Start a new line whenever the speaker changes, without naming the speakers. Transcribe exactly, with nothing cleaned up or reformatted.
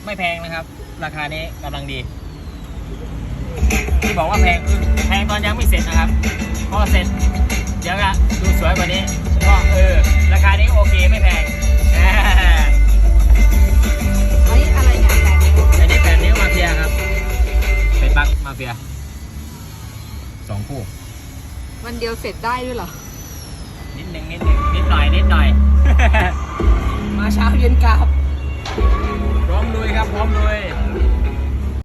ไม่แพงนะครับราคานี้กำลังดีที่บอกว่าแพงคือแพงตอนยังไม่เสร็จนะครับพอเสร็จเดี๋ยวก็ดูสวยกว่านี้ก็เออราคานี้โอเคไม่แพง
อันนี้อะไรเนี่ยแปดนิ้ว
อันนี้แปดนิ้วมาเฟียครับเป็นปลั๊กมาเฟียสองคู่
วันเดียวเสร็จได้ด้วยเหรอ
นิดหนึ่งนิดหนึ่งนิดหน่อยนิดหน่อย
มาเช้าเย็นกลับ
พร้อมลุยครับพร้อมลุย